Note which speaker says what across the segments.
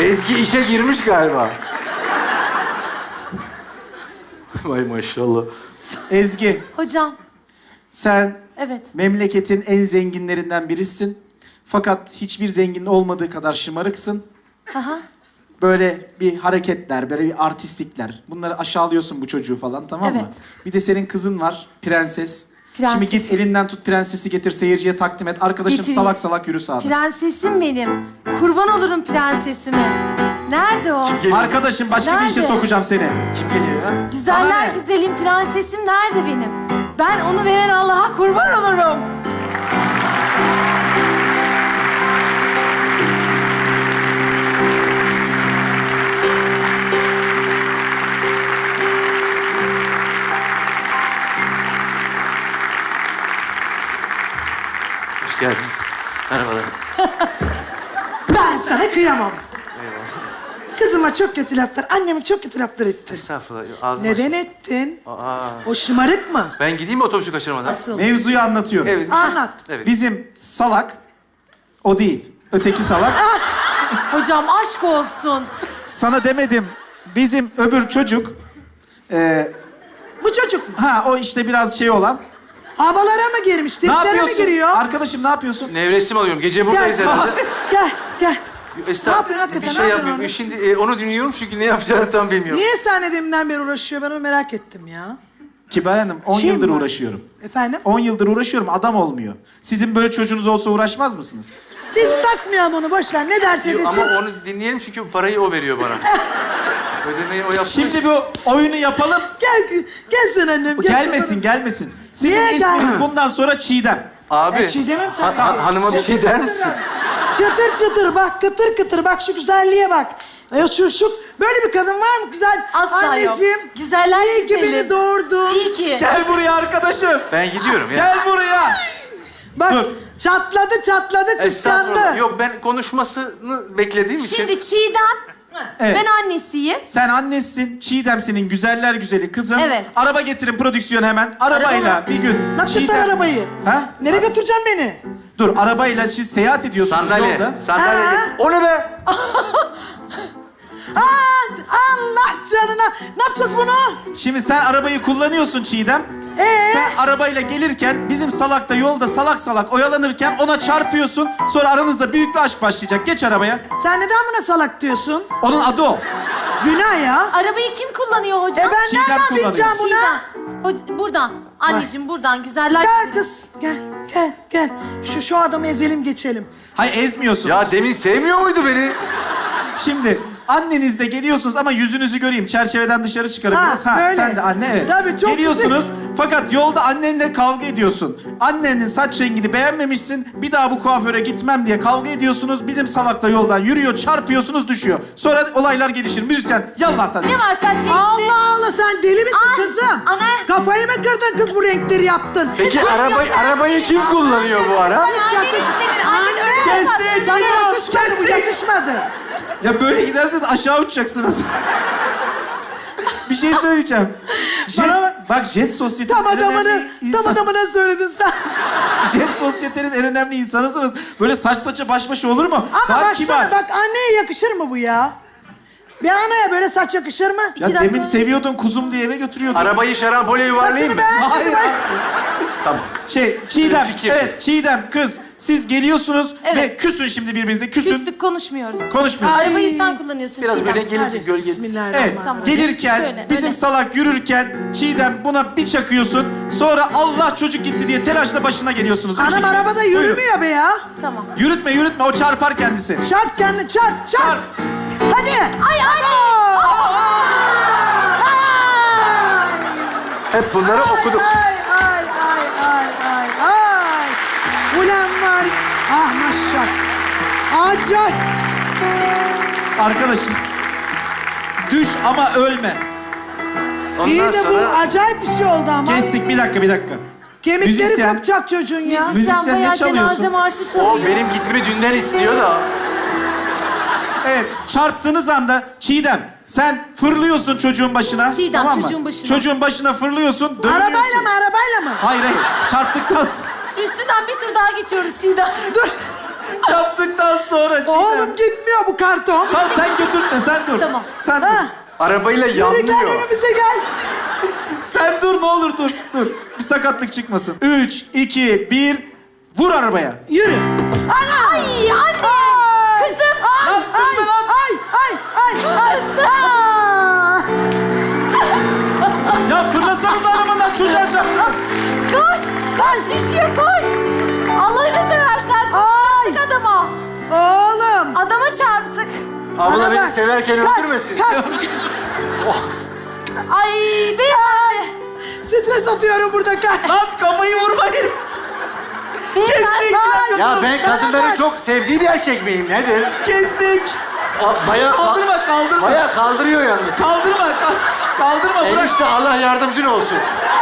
Speaker 1: Ezgi işe girmiş galiba. Vay maşallah.
Speaker 2: Ezgi,
Speaker 3: Hocam,
Speaker 2: sen
Speaker 3: evet.
Speaker 2: memleketin en zenginlerinden birisin. Fakat hiçbir zenginin olmadığı kadar şımarıksın.
Speaker 3: Aha.
Speaker 2: Böyle bir hareketler, böyle bir artistlikler. Bunları aşağılıyorsun bu çocuğu falan, tamam mı?
Speaker 3: Evet.
Speaker 2: Bir de senin kızın var, prenses.
Speaker 3: Prensesim.
Speaker 2: Şimdi git elinden tut prensesi getir, seyirciye takdim et. Arkadaşım
Speaker 3: Getireyim.
Speaker 2: salak salak yürü sağda.
Speaker 3: Prensesim benim. Kurban olurum prensesime. Nerede o?
Speaker 2: Arkadaşım başka bir işe
Speaker 3: Nerede?
Speaker 2: sokacağım seni.
Speaker 1: Kim geliyor ya?
Speaker 2: Sana
Speaker 3: Güzeller
Speaker 2: ne?
Speaker 3: güzelim prensesim nerede benim? Ben onu veren Allah'a kurban olurum.
Speaker 1: Hoş geldiniz. Merhabalar.
Speaker 4: Ben sana kıyamam. Kızıma çok kötü laflar, anneme çok kötü laflar ettin.
Speaker 1: Estağfurullah. Ağzım
Speaker 4: Neden ettin?
Speaker 1: Aa.
Speaker 4: O şımarık mı?
Speaker 1: Ben gideyim mi otobüsü kaçırmadan?
Speaker 4: Asıl.
Speaker 2: Mevzuyu anlatıyorum.
Speaker 1: Evet.
Speaker 4: Anlat.
Speaker 1: Evet.
Speaker 2: Bizim salak, o değil. Öteki salak.
Speaker 3: Hocam aşk olsun.
Speaker 2: Sana demedim. Bizim öbür çocuk...
Speaker 4: Bu çocuk mu?
Speaker 2: ha o işte biraz şey olan.
Speaker 4: Havalara mı girmiş?
Speaker 2: Ne
Speaker 4: Triplere mi
Speaker 2: yapıyorsun?
Speaker 4: giriyor?
Speaker 2: Arkadaşım ne yapıyorsun?
Speaker 1: Nevresim alıyorum. Gece buradayız
Speaker 4: Gel,
Speaker 1: herhalde.
Speaker 4: gel.
Speaker 1: Estağfurullah.
Speaker 4: Ne yapıyorsun hakikaten?
Speaker 1: Bir
Speaker 4: Ne
Speaker 1: şey
Speaker 4: yapıyorsun
Speaker 1: yapmıyorum.
Speaker 4: orada?
Speaker 1: Şimdi onu dinliyorum çünkü ne yapacağını tam bilmiyorum.
Speaker 4: Niye senle deminden beri uğraşıyor? Ben onu merak ettim ya.
Speaker 2: Kibar Hanım 10
Speaker 4: Şey
Speaker 2: yıldır
Speaker 4: mi var?
Speaker 2: uğraşıyorum.
Speaker 4: Efendim?
Speaker 2: 10 yıldır uğraşıyorum, adam olmuyor. Sizin böyle çocuğunuz olsa uğraşmaz mısınız?
Speaker 4: Biz takmayalım onu, boş ver. Ne derse desin.
Speaker 1: Ama onu dinleyelim çünkü parayı o veriyor bana. Ödemeyi o yaptı.
Speaker 2: Şimdi bu oyunu yapalım.
Speaker 4: Gel sen annem. Gel.
Speaker 2: Gelmesin. Sizin
Speaker 4: Niye
Speaker 2: isminiz bundan sonra Çiğdem.
Speaker 1: Abi,
Speaker 4: Çiğdem'im tabii.
Speaker 1: hanıma bir şey der misin?
Speaker 4: Çıtır çıtır bak, kıtır kıtır bak, şu güzelliğe bak. Ya şu böyle bir kadın var mı güzel?
Speaker 3: Asla
Speaker 4: Anneciğim,
Speaker 3: yok. Güzeller
Speaker 4: iyi ki
Speaker 3: güzeli.
Speaker 4: beni doğurdun.
Speaker 3: İyi ki.
Speaker 2: Gel buraya arkadaşım.
Speaker 1: Ben gidiyorum ya.
Speaker 2: Gel buraya.
Speaker 4: Bak
Speaker 2: Dur.
Speaker 4: çatladı
Speaker 1: Estağfurullah.
Speaker 4: kıskandı.
Speaker 1: Yok ben konuşmasını beklediğim için.
Speaker 3: Şimdi Çiğdem,
Speaker 2: Evet.
Speaker 3: ben annesiyim.
Speaker 2: Sen annesisin, Çiğdem senin güzeller güzeli kızın.
Speaker 3: Evet.
Speaker 2: Araba getirin prodüksiyon hemen. Arabayla
Speaker 3: Araba
Speaker 2: bir gün.
Speaker 4: Nakıtlar arabayı.
Speaker 2: Ha?
Speaker 4: Nereye götüreceksin beni?
Speaker 2: Dur, arabayla siz seyahat ediyorsunuz
Speaker 1: Sandalye.
Speaker 2: yolda.
Speaker 1: Sandalye
Speaker 4: Ha?
Speaker 1: getir. O ne be?
Speaker 4: Allah canına. Ne yapacağız bunu?
Speaker 2: Şimdi sen arabayı kullanıyorsun Çiğdem. Sen arabayla gelirken bizim salak da yolda salak salak oyalanırken ona çarpıyorsun. Sonra aranızda büyük bir aşk başlayacak. Geç arabaya.
Speaker 4: Sen neden buna salak diyorsun?
Speaker 2: Onun adı o.
Speaker 4: Günah ya.
Speaker 3: Arabayı kim kullanıyor hocam?
Speaker 4: Ben
Speaker 2: Çiğdem
Speaker 4: nereden
Speaker 2: kullanıyor.
Speaker 4: bileceğim buna?
Speaker 3: Çiğdem. Buradan. Anneciğim buradan. Güzeller
Speaker 4: Gel
Speaker 3: güzeli.
Speaker 4: kız. Gel. Şu adamı ezelim geçelim.
Speaker 2: Hayır, ezmiyorsun.
Speaker 1: Ya demin sevmiyor muydu beni?
Speaker 2: Şimdi annenizle geliyorsunuz ama yüzünüzü göreyim. Çerçeveden dışarı çıkarın
Speaker 4: Ha,
Speaker 2: biraz. Ha,
Speaker 4: böyle.
Speaker 2: sen de anne, evet.
Speaker 4: Tabii, çok
Speaker 2: geliyorsunuz fakat yolda annenle kavga ediyorsun. Annenin saç rengini beğenmemişsin. Bir daha bu kuaföre gitmem diye kavga ediyorsunuz. Bizim salak da yoldan yürüyor, çarpıyorsunuz, düşüyor. Sonra olaylar gelişir. Müzisyen yallah tabii.
Speaker 3: Ne var saç renkli?
Speaker 4: Allah Allah, sen deli misin
Speaker 3: Ay,
Speaker 4: kızım?
Speaker 3: ana.
Speaker 4: Kafayı mı kırdın kız, bu renkleri yaptın?
Speaker 1: Peki arabayı kim kullanıyor bu ara?
Speaker 3: Annen senin. Annen öyle yapar.
Speaker 2: Kestik,
Speaker 4: Sana
Speaker 2: gidiyoruz,
Speaker 4: yakışmadı, bu
Speaker 2: kestik.
Speaker 4: yakışmadı.
Speaker 2: Ya böyle giderseniz aşağı uçacaksınız. Bir şey söyleyeceğim. Bak Jet Sosyete'nin
Speaker 4: Tam
Speaker 2: en önemli
Speaker 4: adamına söyledin sen.
Speaker 2: Jet Sosyete'nin en önemli insanısınız. Böyle saç saça baş başa olur mu?
Speaker 4: Ama
Speaker 2: Daha
Speaker 4: baksana,
Speaker 2: kibar.
Speaker 4: bak anneye yakışır mı bu ya? Bir anaya böyle saç yakışır mı?
Speaker 2: Ya
Speaker 3: dakika.
Speaker 2: demin seviyordun kuzum diye eve götürüyordun.
Speaker 1: Arabayı şarampole yuvarlayayım mı?
Speaker 2: Hayır.
Speaker 1: Tamam.
Speaker 2: Çiğdem,
Speaker 1: Fikir.
Speaker 2: evet Çiğdem kız. Siz geliyorsunuz
Speaker 3: Evet.
Speaker 2: ve küsün şimdi birbirinize, küsün.
Speaker 3: Küstük konuşmuyoruz.
Speaker 2: Konuşmuyoruz.
Speaker 3: Arabayı sen kullanıyorsun
Speaker 1: Biraz
Speaker 3: Çiğdem.
Speaker 1: böyle gelir
Speaker 4: Hadi,
Speaker 1: ki gölge.
Speaker 2: Evet,
Speaker 4: Bismillahirrahmanirrahim.
Speaker 3: Tamam.
Speaker 2: gelirken,
Speaker 3: Şöyle,
Speaker 2: bizim
Speaker 3: öyle.
Speaker 2: salak yürürken Çiğdem buna bir çakıyorsun. Sonra Allah çocuk gitti diye telaşla başına geliyorsunuz. O
Speaker 4: Anam
Speaker 2: şekilde.
Speaker 4: arabada
Speaker 2: Buyurun.
Speaker 4: yürümüyor be ya.
Speaker 3: Tamam.
Speaker 2: Yürütme, o çarpar kendisi.
Speaker 4: Çarp kendini, çarp.
Speaker 2: Çarp.
Speaker 4: Hadi.
Speaker 3: Ay anne.
Speaker 1: Hep bunları okuduk.
Speaker 4: Ay. Ulan var. Ah maşallah. Acayip.
Speaker 2: Arkadaşım, düş ama ölme.
Speaker 4: İyi
Speaker 1: Ondan
Speaker 4: de bu
Speaker 1: sonra
Speaker 4: acayip bir şey oldu ama.
Speaker 2: Kestik, bir dakika.
Speaker 4: Kemikleri
Speaker 2: Müzisyen.
Speaker 4: kopacak çocuğun ya.
Speaker 2: Müzisyen
Speaker 3: Sen
Speaker 2: ne
Speaker 3: bayağı
Speaker 2: çalıyorsun?
Speaker 3: cenaze marşı
Speaker 1: o
Speaker 3: çalıyor.
Speaker 1: benim gitmemi dünden istiyor da.
Speaker 2: Evet, çarptığınız anda Çiğdem, sen fırlıyorsun çocuğun başına.
Speaker 3: Çiğdem,
Speaker 2: tamam mı?
Speaker 3: çocuğun başına.
Speaker 2: Çocuğun başına fırlıyorsun, dönüyorsun.
Speaker 4: Arabayla mı?
Speaker 2: Hayır, çarptıktan
Speaker 3: Üstünden bir tur daha geçiyoruz Çiğdem.
Speaker 4: Dur.
Speaker 2: Çarptıktan sonra Çiğdem.
Speaker 4: Oğlum gitmiyor bu karton.
Speaker 2: Tamam sen götürme, sen dur.
Speaker 3: Tamam.
Speaker 2: Sen dur.
Speaker 4: Ha.
Speaker 1: Arabayla
Speaker 4: Yürü gel
Speaker 1: yanlıyor.
Speaker 4: önümüze gel.
Speaker 2: Sen dur ne olur dur. Bir sakatlık çıkmasın. 3, 2, 1. Vur arabaya.
Speaker 4: Yürü. Ana!
Speaker 3: Ay anne. Kızım.
Speaker 2: Lan düşme lan.
Speaker 4: Ay. Aa!
Speaker 2: Ya fırlasanız arabadan çocuğa çarptınız.
Speaker 3: Koş. Koş düşüyor koş. Allah'ını seversen.
Speaker 4: Ay.
Speaker 3: Adama.
Speaker 4: Oğlum.
Speaker 3: Adama çarptık.
Speaker 1: Abla
Speaker 4: Bana
Speaker 1: beni
Speaker 4: bak.
Speaker 1: severken
Speaker 4: Kalk,
Speaker 1: öldürmesin.
Speaker 4: kalk.
Speaker 3: Ay beyefendi.
Speaker 4: Stres atıyorum burada kalk.
Speaker 2: Lan kafayı vurmayın. Kestik.
Speaker 3: Beyefendi.
Speaker 4: Ay.
Speaker 1: Ya ben
Speaker 4: Bana
Speaker 1: kadınların
Speaker 4: bak.
Speaker 1: çok sevdiği bir erkek miyim? Nedir?
Speaker 2: Kestik.
Speaker 1: Bayağı,
Speaker 2: Kaldırma.
Speaker 1: bayağı kaldırıyor yalnız.
Speaker 2: Kaldırma bırak.
Speaker 1: Enişte Allah yardımcın olsun.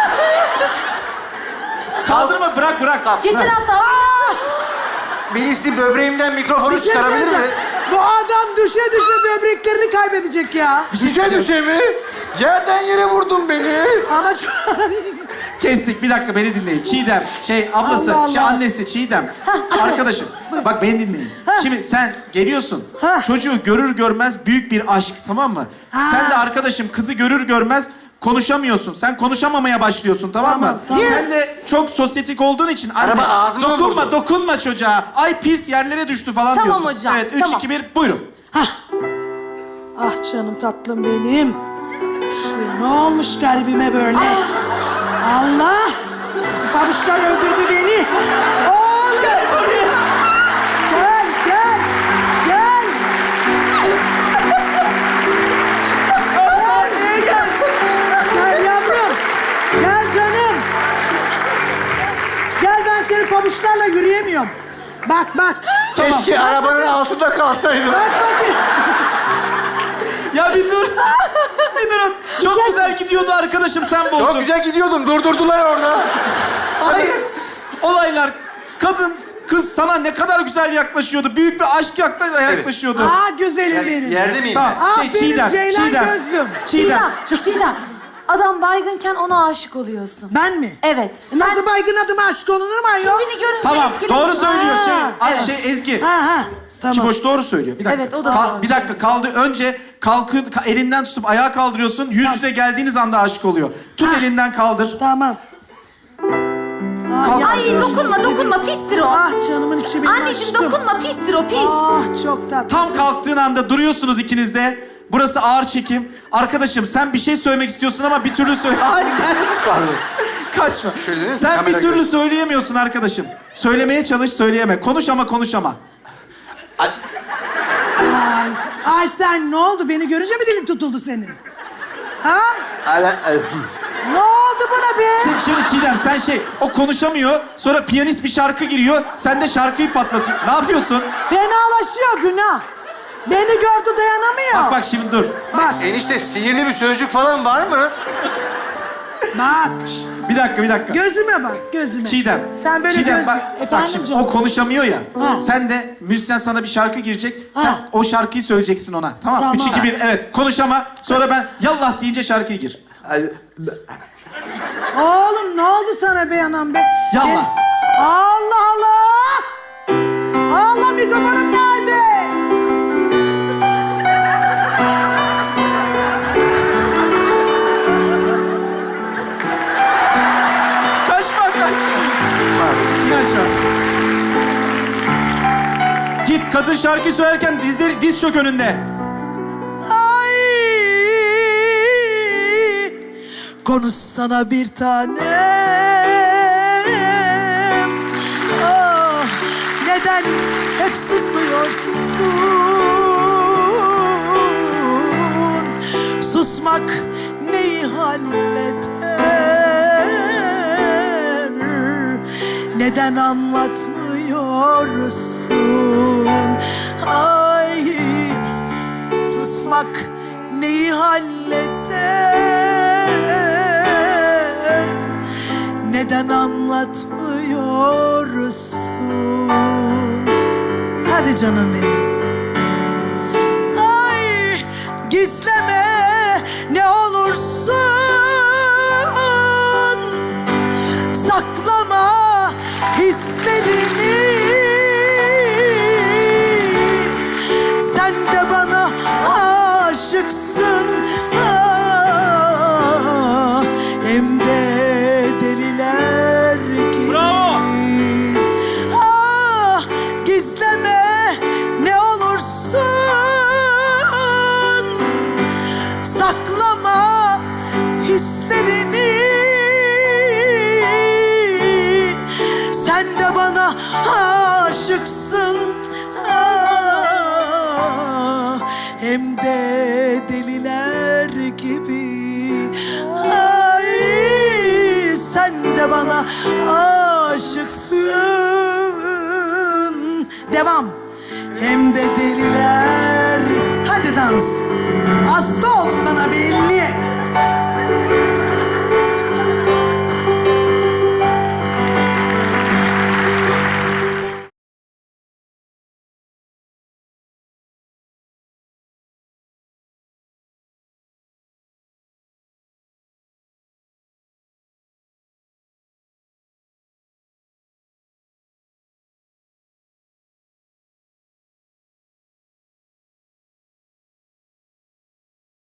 Speaker 2: Kaldırma bırak.
Speaker 3: Geçen hafta.
Speaker 1: Birisi böbreğimden mikrofonu
Speaker 4: Bir şey
Speaker 1: çıkarabilir mi?
Speaker 4: söyleyeceğim. Bu adam düşe böbreklerini kaybedecek ya.
Speaker 1: Düşe mi? Yerden yere vurdun beni.
Speaker 4: Ama şu...
Speaker 2: Kestik. Bir dakika beni dinleyin. Çiğdem, ablası,
Speaker 4: Allah Allah.
Speaker 2: annesi Çiğdem. Arkadaşım, bak beni dinleyin. Şimdi sen geliyorsun.
Speaker 4: Ha.
Speaker 2: Çocuğu görür görmez büyük bir aşk, tamam mı?
Speaker 4: Ha.
Speaker 2: Sen de arkadaşım kızı görür görmez konuşamıyorsun. Sen konuşamamaya başlıyorsun, tamam mı?
Speaker 4: Tamam.
Speaker 2: Sen de çok sosyetik olduğun için anne,
Speaker 1: Araba ağzıma vurdu.
Speaker 2: dokunma çocuğa. Ay pis yerlere düştü falan
Speaker 3: Tamam
Speaker 2: diyorsun.
Speaker 3: hocam,
Speaker 2: Evet, 3,
Speaker 3: tamam.
Speaker 2: 2, 1, buyurun.
Speaker 4: Ah canım tatlım benim. Şu ne olmuş garibime böyle? Allah! Pabuçlar öldürdü beni. Oğlum! Gel.
Speaker 2: Sahneye gel.
Speaker 4: Gel yavrum. Gel canım. Gel ben senin pabuçlarla yürüyemiyorum. Bak.
Speaker 1: Keşke arabanın altında kalsaydım.
Speaker 4: Bak bakayım.
Speaker 2: Ya bir dur. Bir durun. Çok güzel gidiyordu arkadaşım, sen bozdun.
Speaker 1: Çok güzel gidiyordum. Durdurdular orada.
Speaker 2: Hayır. Olaylar, kız sana ne kadar güzel yaklaşıyordu. Büyük bir aşk yaklaşıyordu.
Speaker 4: Aa güzelim benim.
Speaker 1: Yerde miyim
Speaker 2: Tamam.
Speaker 4: Ah benim Ceylan gözlüm.
Speaker 2: Çiğdem.
Speaker 3: Çiğdem. Adam baygınken ona aşık oluyorsun.
Speaker 4: Ben mi?
Speaker 3: Evet.
Speaker 4: Nasıl baygın adıma aşık olunur mu ayol?
Speaker 3: Tipini görünce
Speaker 2: Tamam,
Speaker 3: etkileniyor.
Speaker 2: doğru söylüyor.
Speaker 4: Ha,
Speaker 2: Ezgi.
Speaker 4: Ha. Tamam.
Speaker 2: Kiboş doğru söylüyor. Bir dakika.
Speaker 3: Evet, o da doğru.
Speaker 2: Bir dakika kaldı. Önce elinden tutup ayağa kaldırıyorsun. Yüz yüze geldiğiniz anda aşık oluyor. Tut elinden kaldır.
Speaker 4: Tamam.
Speaker 2: Kalk.
Speaker 3: Ay dokunma pistir o.
Speaker 4: Ah canımın içi benim
Speaker 3: Anneciğim
Speaker 4: aşkım.
Speaker 3: dokunma pistir o pis.
Speaker 4: Ah çok tatlı.
Speaker 2: Tam kalktığın anda duruyorsunuz ikiniz de. Burası ağır çekim. Arkadaşım sen bir şey söylemek istiyorsun ama bir türlü söyle. Hayır gel.
Speaker 1: Pardon.
Speaker 2: Kaçma.
Speaker 1: Şöyle değil mi?
Speaker 2: Sen bir
Speaker 1: Kamera
Speaker 2: türlü
Speaker 1: görsün.
Speaker 2: söyleyemiyorsun arkadaşım. Söylemeye çalış, söyleyeme. Konuş ama konuş ama.
Speaker 4: Ay sen ne oldu? Beni görünce mi dilin tutuldu senin? Ha? Ne oldu buna be?
Speaker 2: Şimdi Çiğdem sen o konuşamıyor. Sonra piyanist bir şarkı giriyor. Sen de şarkıyı patlatıyorsun. Ne yapıyorsun?
Speaker 4: Fenalaşıyor günah. Beni gördü dayanamıyor.
Speaker 2: Bak şimdi dur.
Speaker 4: Bak.
Speaker 1: Enişte sihirli bir sözcük falan var mı?
Speaker 4: Bak.
Speaker 2: Bir dakika.
Speaker 4: Gözüme bak, gözüme.
Speaker 2: Çiğdem.
Speaker 4: Sen böyle
Speaker 2: Çiğdem,
Speaker 4: göz...
Speaker 2: bak
Speaker 4: Efendim
Speaker 2: şimdi
Speaker 4: canım?
Speaker 2: o konuşamıyor ya.
Speaker 4: Ha.
Speaker 2: Sen de müzisyen sana bir şarkı girecek. Sen
Speaker 4: Ha.
Speaker 2: o şarkıyı söyleyeceksin ona. Tamam.
Speaker 4: Tamam.
Speaker 2: 3, 2, 1 evet. Konuş ama sonra ben yallah deyince şarkıya gir.
Speaker 4: Oğlum ne oldu sana be anam be?
Speaker 2: Yallah.
Speaker 4: Allah Allah! Allah mikrofonum nerede?
Speaker 2: Kaçma. İn aşağı. Git kadın şarkı söylerken diz çök önünde.
Speaker 4: Ay! Konuşsana bir tanem. Ah, neden hep susuyorsun? Susmak neyi halleder? Neden anlatmıyorsun? Ay, susmak neyi halleder? Neden anlatmıyorsun? Hadi canım benim. Ay, gizleme ne olursun. Saklama hislerini. de bana aşıksın. Devam. Hem de deliler. Hadi dans. Hasta oldun bana belli.